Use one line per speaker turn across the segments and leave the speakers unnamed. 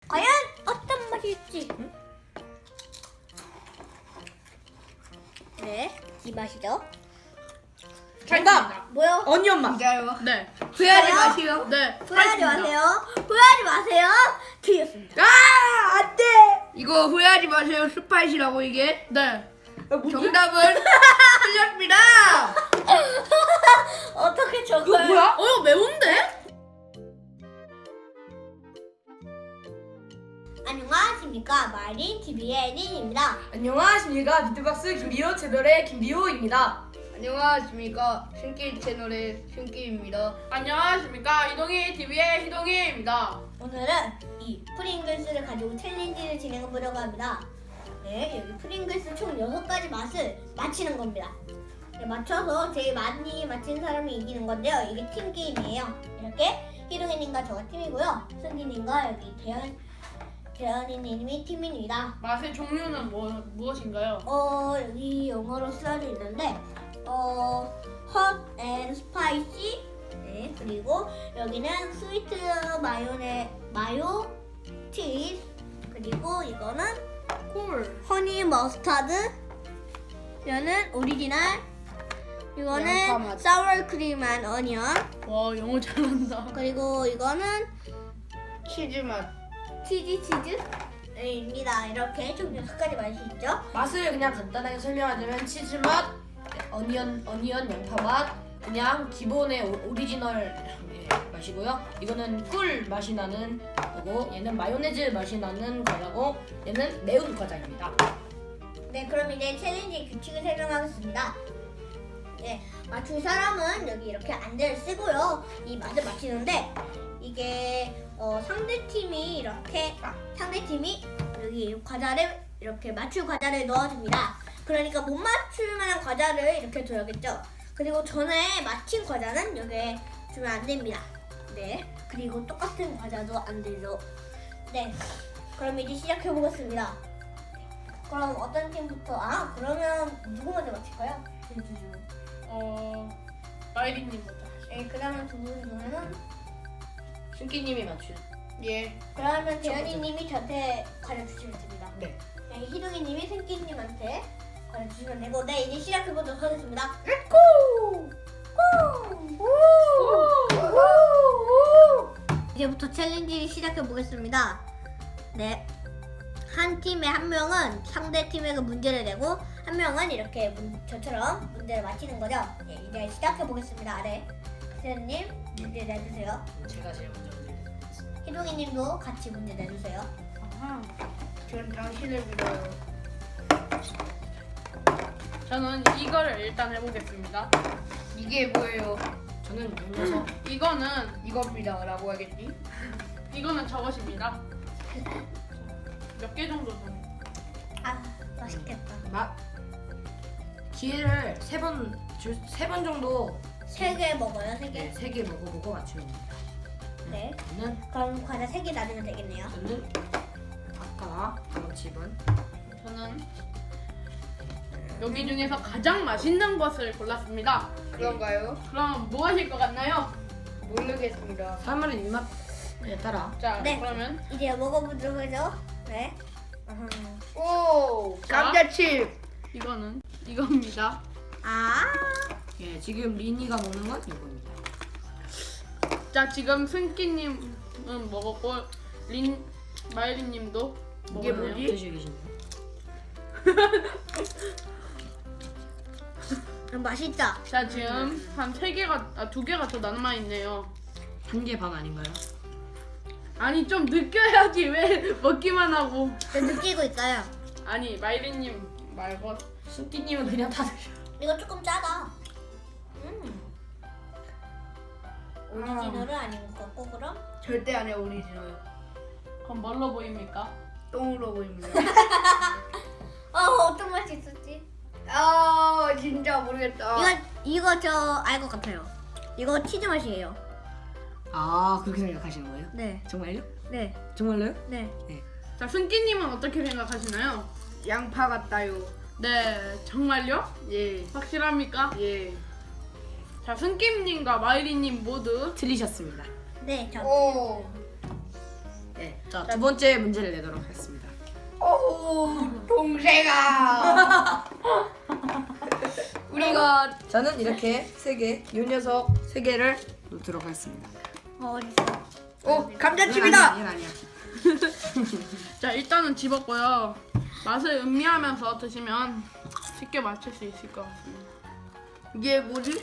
과연 어떤 맛일지. 네, 이 맛이죠.
정답!
뭐요?
어니언 맛.
진짜요?
네.
후회하지
저요?
마시오.
네.
후회하지
알겠습니다.
마세요. 후회하지 마세요. 틀렸습니다.
아, 안 돼!
이거 후회하지 마세요. 스파이시라고 이게.
네.
정답은 틀렸습니다.
어떻게
이거
저걸?
뭐야? 이거 매운데?
안녕하십니까, 마린 TV의 린입니다.
안녕하십니까. 비트박스 김비호 채널의 김비호입니다.
안녕하십니까. 신기 채널의 신기입니다.
안녕하십니까. 이동희 TV의 희동희입니다.
오늘은 이 프링글스를 가지고 챌린지를 진행해 보려고 합니다. 네, 여기 프링글스 총 6가지 맛을 맞히는 겁니다. 네, 맞춰서 제일 많이 맞힌 사람이 이기는 건데요. 이게 팀 게임이에요. 이렇게 희동이님과 저가 팀이고요. 승기님과 여기 대현이님이 팀입니다.
맛의 종류는 무엇인가요?
여기 영어로 써져 있는데 hot and spicy. 네, 그리고 여기는 스위트 마요 치즈. 그리고 이거는
콜.
허니 머스타드. 이거는 오리지널.
양파
이거는
맛.
사워 크림 앤 어니언.
와, 영어 잘한다.
그리고 이거는
치즈 맛.
치즈입니다. 이렇게 총 6가지 맛이 있죠.
맛을 그냥 간단하게 설명하자면 치즈 맛, 어니언 양파 맛, 그냥 기본의 오리지널 맛이고요. 이거는 꿀 맛이 나는 거고, 얘는 마요네즈 맛이 나는 거라고, 얘는 매운 과자입니다.
네, 그럼 이제 챌린지 규칙을 설명하겠습니다. 네, 맞출 사람은 여기 이렇게 안대를 쓰고요. 이 맛을 맞히는데 이게 상대팀이 여기 과자를 이렇게 맞출 과자를 넣어줍니다. 그러니까 못 맞출 만한 과자를 이렇게 줘야겠죠. 그리고 전에 맞힌 과자는 여기에 주면 안 됩니다. 네, 그리고 똑같은 과자도 안 되죠. 네, 그럼 이제 시작해 보겠습니다. 그럼 어떤 팀부터? 그러면 누구 먼저 맞힐까요?
마이리님부터.
네, 그러면 두 분 중에는
신기님이 맞춘.
예.
그러면 대현이님이 저한테 과자 주시면 됩니다.
네.
네, 희동이님이 승기님한테 과자 주시면 되고, 네, 이제 시작해 보도록 하겠습니다. 이제부터 챌린지 시작해 보겠습니다. 네, 한 팀에 한 명은 상대 팀에게 문제를 내고 한 명은 이렇게 저처럼 문제를 맞히는 거죠. 네, 이제 시작해 보겠습니다. 네, 대현님 문제 내주세요.
제가 제일 먼저 드리겠습니다.
희동이님도 같이 문제 내주세요.
아하.
전 당신을 믿어요.
저는 이거를 일단 해보겠습니다.
이게 뭐예요?
저는 녀석.
이거는
이겁니다라고 하겠지?
이거는 저것입니다. 몇 개 정도 좀.
맛있겠다.
기회를 세 번 정도
3개 먹어요, 3개.
네, 3개 먹어보고 맞추면 됩니다.
네.
저는
그럼 과자 3개 놔두면 되겠네요.
아까 집은
저는 여기 중에서 가장 맛있는 것을 골랐습니다.
그런가요?
그럼 뭐 하실 것 같나요?
모르겠습니다.
사람마다 입맛에 따라
자,
네.
그러면
이제 먹어보도록 하죠. 네.
오!
자.
감자칩!
이거는 이겁니다.
예, 지금 리니가 먹는 건 이거입니다.
자, 지금 승기님은 먹었고 마이리님도
이게
먹었네요.
뭐지?
드시고 계신가요?
맛있다.
자, 지금 한 2개가 더 남아 있네요.
1개 반 아닌가요?
아니, 좀 느껴야지. 왜 먹기만 하고.
저 느끼고 있어요.
아니, 마이리님 말고.
순띠님은 그냥 다 드셔.
이거 조금 짜다. 오리지널은 아닌 것 같고, 그럼?
절대 안 해, 오리지널.
그럼 뭘로 보입니까?
똥으로 보입니다.
어떤 맛이 있었지?
진짜 모르겠다.
이거 저 알 것 같아요. 이거 치즈 맛이에요.
아, 그렇게 생각하시는 거예요?
네.
정말요?
네.
정말로요?
네.
자, 승기님은 어떻게 생각하시나요?
양파 같다요.
네, 정말요?
예.
확실합니까?
예.
자, 승기님과 마이리님 모두
틀리셨습니다.
네, 저.
오.
네. 자, 두 번째 문제를 내도록 하겠습니다.
오 동생아. 우리가
저는 이렇게 세 개, 요 녀석 세 개를 놓도록 하겠습니다.
어딨어?
오 감자칩이다.
이건 아니야.
자, 일단은 집었고요. 맛을 음미하면서 드시면 쉽게 맞출 수 있을 것 같습니다.
이게 뭐지?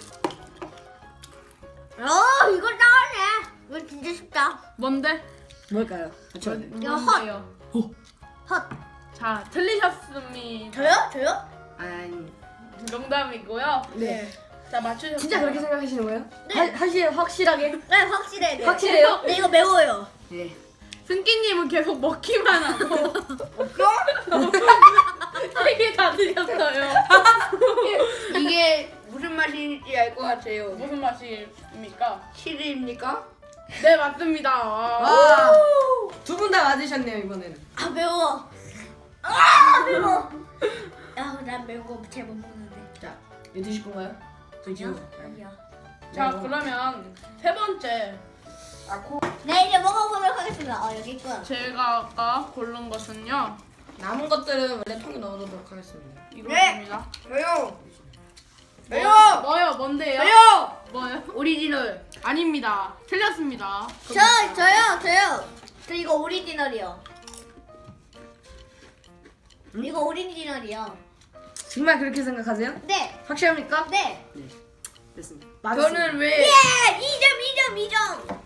이거 나오네. 이거 진짜 쉽다.
뭔데?
뭘까요? 그렇죠.
이거 헛.
뭔데요?
헛.
자, 틀리셨습니다.
저요?
아니.
농담이고요.
네.
자, 맞추셨어요.
진짜 그렇게 생각하시는 거예요?
네.
확실하게?
네, 확실해. 네.
확실해요?
네, 이거 매워요.
네.
승기님은 계속 먹기만 하고
없어?
3개 다 드셨어요.
이게 무슨 맛인지 알 것 같아요.
무슨 맛입니까?
치즈입니까?
네, 맞습니다. 와.
와. 두 분 다 맞으셨네요, 이번에는.
아, 매워. 아, 매워. 야, 난 매운 거 잘 못 먹는데.
자, 이거 드실 건가요? 드시고.
아니야.
자,
네,
그러면 세 번째
네, 이제 먹어보도록 하겠습니다. 여기 있고요.
제가 아까 고른 것은요.
남은 것들은 원래 통에 넣어두도록 하겠습니다.
이거입니다.
저요.
뭐요? 뭔데요?
저요.
뭐요?
오리지널.
아닙니다. 틀렸습니다.
저요. 저 이거 오리지널이요. 이거 오리지널이요.
정말 그렇게 생각하세요?
네,
확실합니까?
네.
됐습니다.
저는 왜?
예, 2점.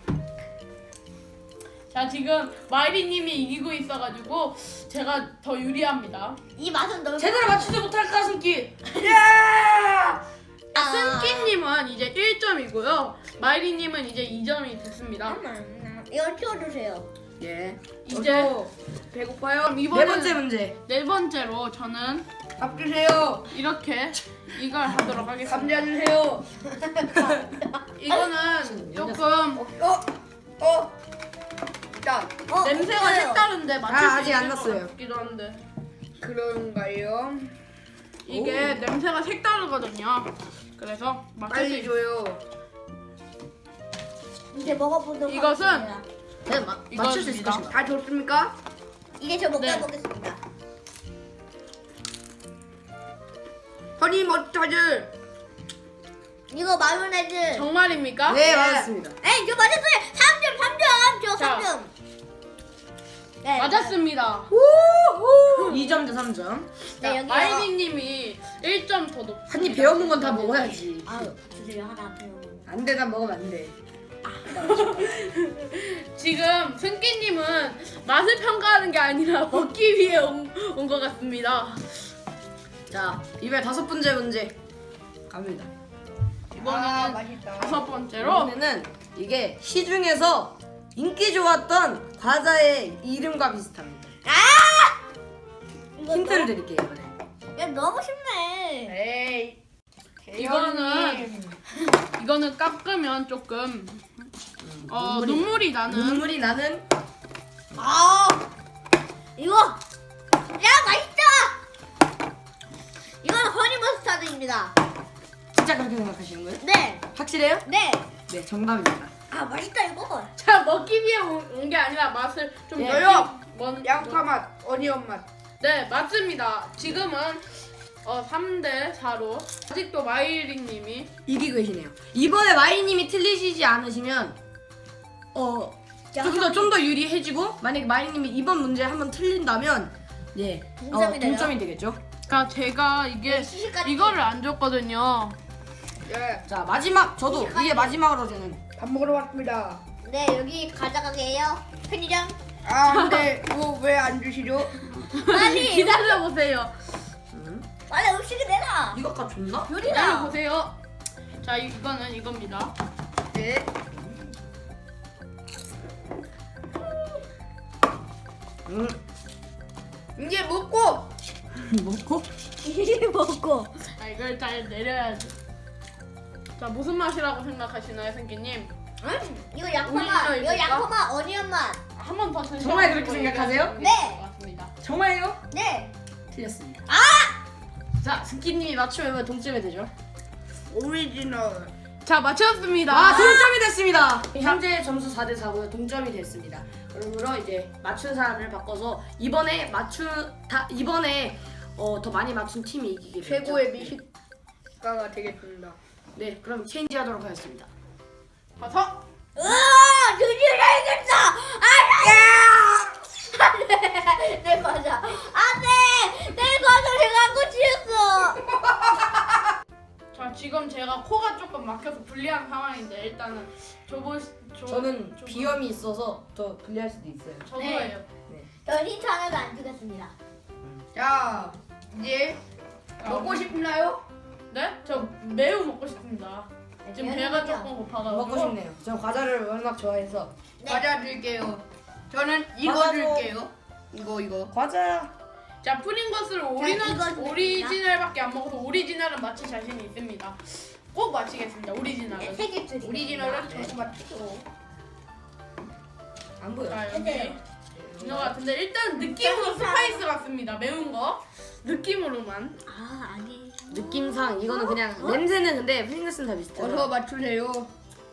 자, 지금 마이리님이 이기고 있어가지고 제가 더 유리합니다.
이 맛은 너무
제대로 맞추지 못할 가슴기.
야!
승기님은 이제 1점이고요. 마이리님은 이제 2점이 됐습니다.
이거 치워주세요.
예.
이제
저도 배고파요.
그럼
네
이번에
번째 문제.
네 번째로 저는
밥 주세요.
이렇게 이걸 하도록 하겠습니다.
감자 주세요.
이거는 조금
자,
냄새가
없어요.
색다른데 맞출 수
아직 안
있을
났어요.
것 같기도 한데
그런가요?
이게 냄새가 색다르거든요. 그래서 맞출 수
빨리
있...
줘요.
이제 먹어보도록
이것은
하겠습니다.
네, 맞출 수 있을
이겁니다.
것입니다.
다 줬습니까?
이제 저
네.
먹어보겠습니다.
허니 머스타드.
이거 마요네즈.
정말입니까?
네, 맞았습니다.
에이, 저 맞았어요. 3점. 저
자.
3점. 네,
맞았습니다.
2점 대 3점.
네, 여기요.
마이리님이 1점 더 높.
한 입 배워본 건 다 먹어야지.
아유, 주세요. 하나 배워.
안 돼, 난 먹으면 안 돼.
지금 승기님은 맛을 평가하는 게 아니라 먹기 위해 온 것 같습니다.
자, 이번에 다섯 번째 문제 갑니다.
이번에는
맛있다.
다섯 번째로
이번에는 이게 시중에서 인기 좋았던 과자의 이름과 비슷합니다.
이거
힌트를
너무-
드릴게요, 이번에.
야, 너무 쉽네.
에이.
이거는 깎으면 조금 눈물이 나는
눈물이 나는
아, 이거. 야, 맛있다. 이건 허니 머스타드입니다.
진짜 그렇게 생각하시는 거예요?
네,
확실해요?
네.
네, 정답입니다.
아, 맛있다 이거.
자, 먹기 위해 온 게 아니라 맛을 좀
예.
저요.
뭔
양파 맛, 어니언 맛.
네, 맞습니다. 지금은 3대 4로 아직도 마이리님이
이기고 계시네요. 이번에 마이님이 틀리시지 않으시면 좀 더 유리해지고 만약에 마이님이 이번 문제 한번 틀린다면
동점이 되죠?
동점이 되겠죠.
그러니까 제가 이게
네, 시시까지.
이거를 안 줬거든요.
예.
자, 마지막 저도 이게 마지막으로 저는
밥 먹으러 왔습니다.
네, 여기 가져가게요. 편의점.
아, 근데 이거 왜 안 주시죠?
빨리.
기다려 보세요.
빨리 음식이 내놔.
이거 아까 줬나?
기다려
요리다.
보세요. 자, 이거는 이겁니다.
네. 이제 먹고
먹고
이리 먹고.
자, 이걸 잘 내려야지. 자, 무슨 맛이라고 생각하시나요, 생기님?
이거 양파
오리지널
맛. 이거
있을까?
양파 맛, 어니언 맛.
한 번 더 드셔.
정말 그렇게 생각하세요?
네.
맞습니다.
정말요?
네.
틀렸습니다. 자, 스키님이 맞추면 동점이 되죠.
오리지널.
자, 맞췄습니다.
아, 동점이 됐습니다. 현재 점수 4대 4고요. 동점이 됐습니다. 그러므로 이제 맞춘 사람을 바꿔서 이번에 더 많이 맞춘 팀이 이기게 됐죠.
최고의 미식가가 되겠습니다.
네, 그럼 체인지하도록 하겠습니다.
가서
으아! 드디어 이겼다! 안돼! 내 과자! 안돼! 내 과자를 갖고 치웠어!
자, 지금 제가 코가 조금 막혀서 불리한 상황인데 일단은
저는 비염이 있어서 더 불리할 수도 있어요.
저도예요.
전 힌트 하나도 안 주겠습니다.
자, 이제 먹고 싶나요?
네? 저 매우 먹고 싶습니다. 지금 배가 조금 고파가지고
먹고 싶네요. 전 과자를 워낙 좋아해서.
과자 줄게요. 저는 이거
과자도-
줄게요. 이거.
과자.
자, 프링거스를
이거 주겠습니다.
오리지널밖에 안 먹어서 오리지널은 맞힐 자신이 있습니다. 꼭 맞히겠습니다. 오리지널은.
3개 줄이.
오리지널은 저도 맞죠.
안 보여.
자, 여기
해줘요.
이거 같은데 일단 느낌으로
저기
스파이스 같습니다. 매운 거 느낌으로만.
아, 아니.
느낌상 이거는 그냥 냄새는 근데 프링글스는 다 비슷해요.
어서 맞추세요.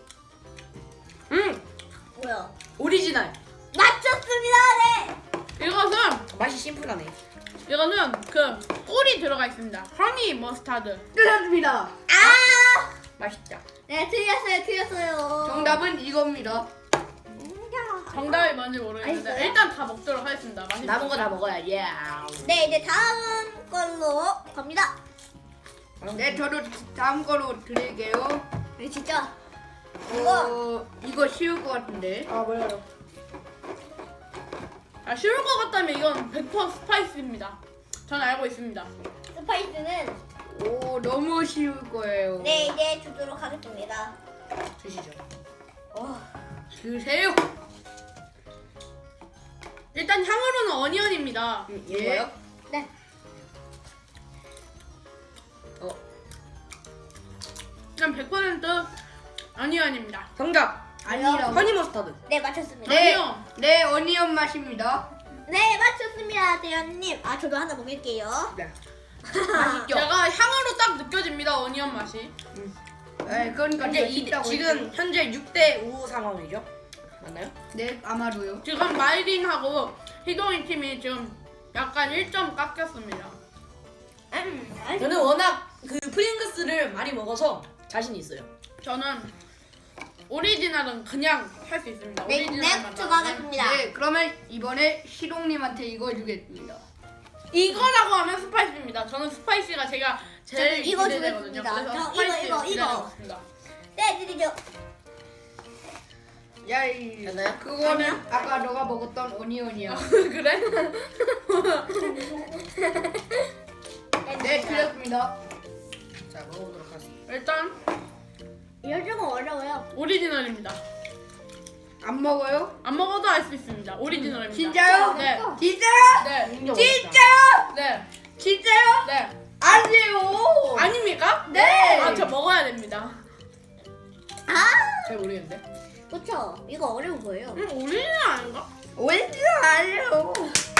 뭐야?
오리지널.
맞췄습니다! 네!
이것은
맛이 심플하네.
이거는 그 꿀이 들어가 있습니다. 허니 머스타드.
끝났습니다.
아!
맛있다.
네, 틀렸어요.
정답은 이겁니다.
정답이 뭔지 모르겠는데
맛있어요?
일단 다 먹도록 하겠습니다. 맛있어요.
남은 거 다 먹어야. 예.
네, 이제 다음 걸로 갑니다.
네, 저도 다음 거로 드릴게요.
네, 진짜. 이거.
이거 쉬울 것 같은데.
아, 뭐야?
아, 쉬울 것 같다면 이건 100% 스파이스입니다. 전 알고 있습니다.
스파이스는
오, 너무 쉬울 거예요.
네, 이제 주도록 하겠습니다.
드시죠.
드세요.
일단 향으로는 어니언입니다.
이거요?
네.
그냥 100% 어니언입니다.
정답.
아니라고.
허니 머스타드.
네, 맞췄습니다.
네,
어니언.
네, 어니언 맛입니다.
네, 맞췄습니다, 대현님. 아, 저도 하나 먹을게요.
네.
맛있죠?
제가 향으로 딱 느껴집니다. 어니언 맛이.
네, 그러니까
근데
맛있다고
지금
했죠.
현재 6대 5 상황이죠? 맞나요?
네, 아마도요.
지금 마이린하고 희동이 팀이 지금 약간 1점 깎였습니다.
저는 워낙 그 프링글스를 많이 먹어서 자신 있어요.
저는 오리지널은 그냥 할 수 있습니다.
네,
오리지널만
넥스트
나오면.
가겠습니다.
네, 그러면 이번에 시동님한테 이거 주겠습니다.
이거라고 하면 스파이스입니다. 저는 스파이시가 제가 제일
저는 이거
기대되거든요.
주겠습니다.
그래서
저
스파이시
이거.
기대하고 있습니다.
네, 드리죠.
야,
됐나요?
그거는
아니야?
아까 너가 먹었던 오니언이야.
그래?
네, 틀렸습니다.
자, 먹어보도록 하겠습니다.
일단
이거 조금 어려워요.
오리지널입니다.
안 먹어요?
안 먹어도 알 수 있습니다. 오리지널입니다.
진짜요?
네.
진짜요?
네.
인정
진짜요?
네.
진짜요?
네.
안 돼요.
아닙니까?
네.
아, 저 먹어야 됩니다.
아,
잘 모르겠는데.
그쵸. 이거 어려운 거예요.
오리지널 아닌가?
왠지 알아요.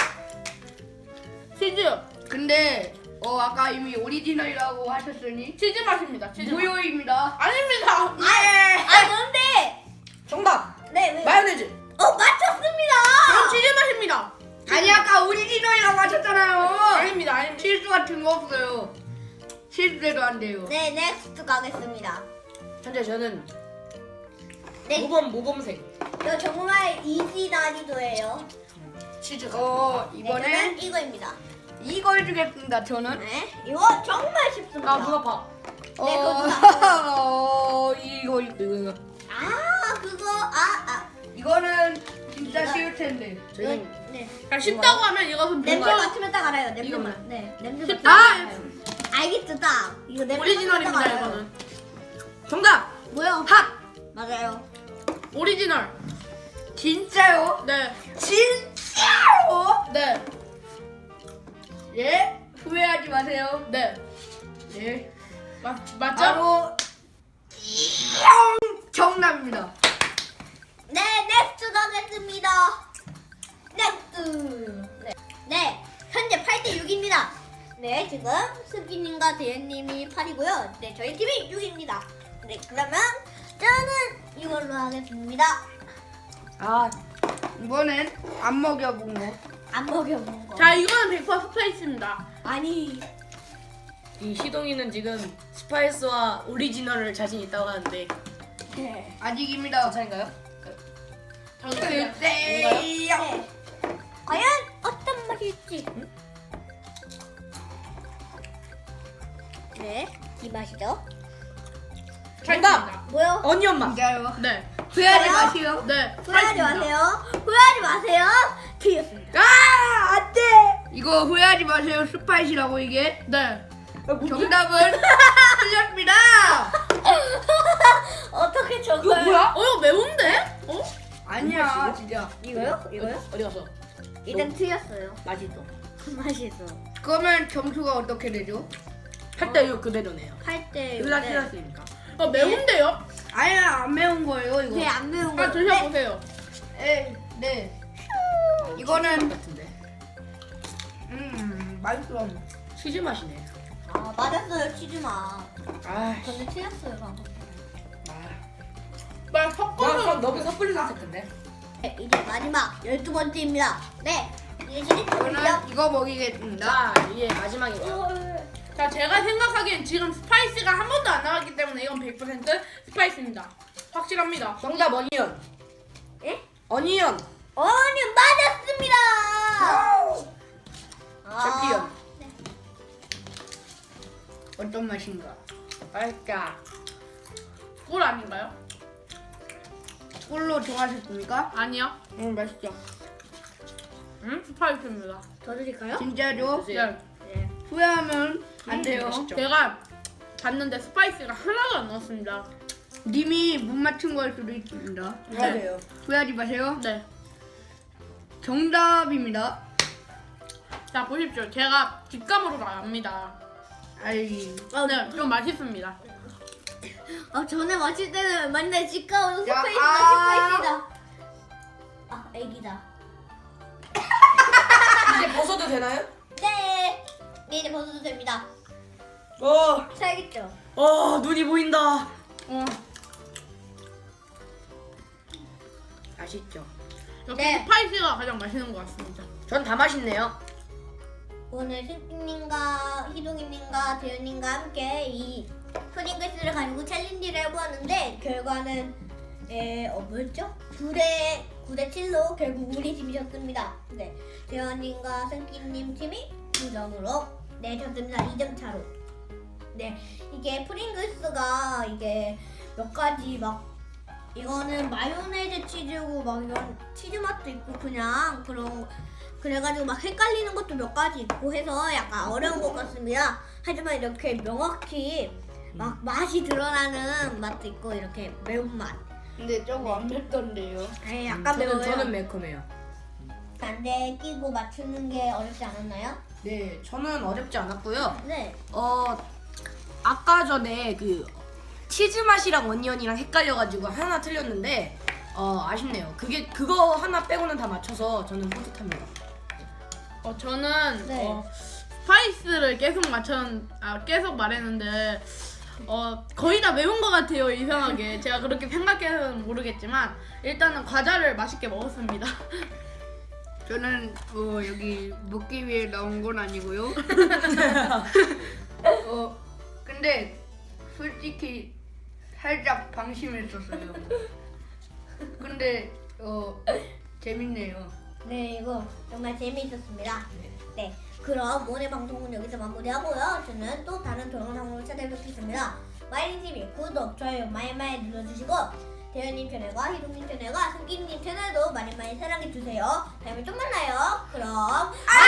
치즈.
근데 아까 이미 오리지널이라고 하셨으니
치즈 맛입니다. 치즈 맛.
무효입니다.
아닙니다.
뭔데?
정답.
네, 왜?
마요네즈.
맞췄습니다.
그럼 치즈 맛입니다.
아니 아까 오리지널이라고 하셨잖아요.
아닙니다. 아닙니다.
실수 같은 거 없어요. 실수해도 안 돼요.
네, 넥스트 가겠습니다.
현재 저는
네.
모범생.
이거 정말 이지 난이도예요.
치즈가.
이번엔
네, 저는 이거입니다.
이걸 주겠습니다. 저는
네, 이거 정말 쉽습니다.
아, 눈 아파.
네, 그거
이거.
아, 그거
이거는 진짜 쉬울 텐데.
저희는
네.
그러니까 쉽다고 하면 이것은
냄새
뭔가
맡으면 딱 알아요. 냄새
이거만.
맡. 네, 냄새
쉽다.
맡으면 알아요. 알겠죠, 딱. 이거 냄새 맡으면 딱
오리지널입니다.
알아요.
이거는
정답.
뭐요?
핫.
맞아요.
오리지널.
진짜요?
네.
진짜요?
네.
예? 후회하지 마세요.
네.
네.
맞죠?
바로 정답입니다.
네, 넥스트 가겠습니다. 넥스트. 네. 네, 현재 8대 6입니다. 네, 지금 스기님과 대현님이 8이고요. 네, 저희 팀이 6입니다. 네, 그러면 저는 이걸로 하겠습니다.
아,
이번엔 안 먹여본 거.
안 먹여본 거.
자, 이거는 100% 스파이스입니다.
아니,
이 시동이는 지금 스파이스와 오리지널을 자신 있다고 하는데
네.
아직입니다.
차인가요?
글쎄요.
네. 과연 어떤 맛일지. 네, 이 맛이죠.
정답!
뭐요?
어니언 맛.
진짜요? 네.
후회하지
후회하지
마세요.
마세요. 네.
후회하지 마세요. 후회하지 마세요. 틀렸습니다.
아, 안 돼. 이거 후회하지 마세요. 스파이시라고 이게. 네. 정답은 틀렸습니다.
어떻게
이거
저걸?
뭐야?
매운데? 아니야, 진짜.
이거요? 이거요?
어디 갔어?
일단 틀렸어요.
맛있어.
맛있어.
그러면 점수가 어떻게 되죠?
8대 6 그대로네요.
8대
둘다 틀렸으니까.
매운데요? 아니야, 안 매운 거예요, 이거.
네안 매운 거.
아, 드셔보세요. 네. 이거는
같은데.
맛있어.
치즈 맛이네.
아 맞았어요 치즈맛.
아,
근데 틀렸어요 방금.
막 섞어서
너무 섣불리 선택했네.
네, 이제 마지막 12번째입니다. 네. 이제 시리즈입니다.
저는 이거 먹이겠습니다.
자, 이게 마지막이고요.
자, 제가 생각하기엔 지금 스파이스가 한 번도 안 나왔기 때문에 이건 100% 스파이스입니다. 확실합니다.
정답 어니언.
예?
어니언.
어니 맞았습니다.
챔피언.
어떤 맛인가?
맛있다.
꿀 아닌가요? 꿀로 좋아하셨습니까? 아니요. 맛있죠. 스파이스입니다.
더 드릴까요?
진짜죠?
드세요.
네.
후회하면 안 돼요.
맛있죠.
제가 봤는데 스파이스가 하나도 안 넣었습니다. 님이 못 맞춘 걸 수도 있습니다.
맞아요.
후회하지 마세요. 네. 정답입니다. 자, 보십시오. 제가 뒷감으로 나갑니다. 아이. 네, 좀 맛있습니다.
전에 마실 때는 맨날 집가오는
야,
스파이스다. 아 애기다.
이제 벗어도 되나요?
네. 이제 벗어도 됩니다. 살겠죠?
눈이 보인다. 맛있죠.
역시
네.
스파이스가 가장 맛있는 것 같습니다.
전 다 맛있네요.
오늘 승기님과 희동이님과 대현님과 함께 이 푸딩글스를 가지고 챌린지를 해보았는데 결과는 뭐였죠? 9대 7로 결국 우리 팀이 졌습니다. 네, 대현님과 승기님 팀이 2점으로 졌습니다. 2점 차로. 네, 이게 프링글스가 이게 몇 가지 막 이거는 마요네즈 치즈고 막 이런 치즈 맛도 있고 그냥 그런 그래가지고 막 헷갈리는 것도 몇 가지 있고 해서 약간 어려운 것 같습니다. 하지만 이렇게 명확히 막 맛이 드러나는 맛도 있고 이렇게 매운맛.
근데 저거 안 맵던데요.
약간 매워요.
저는 매콤해요.
안대 끼고 맞추는 게 어렵지 않았나요?
네, 저는 어렵지 않았고요.
네.
아까 전에 그 치즈 맛이랑 어니언이랑 헷갈려가지고 하나 틀렸는데 아쉽네요. 그거 하나 빼고는 다 맞춰서 저는 뿌듯합니다.
저는
네.
스파이스를 계속 말했는데 거의 다 매운 것 같아요. 이상하게 제가 그렇게 생각해서는 모르겠지만 일단은 과자를 맛있게 먹었습니다. 저는 여기 먹기 위해 나온 건 아니고요. 근데 솔직히 살짝 방심했었어요. 근데 재밌네요.
네, 이거 정말 재미있었습니다. 네, 그럼 오늘 방송은 여기서 마무리하고요. 저는 또 다른 동영상으로 찾아뵙겠습니다. 마이린TV 구독, 좋아요 많이 눌러주시고 대현님 채널과 희동님 채널과 승기님 채널도 많이 사랑해주세요. 다음에 또 만나요. 그럼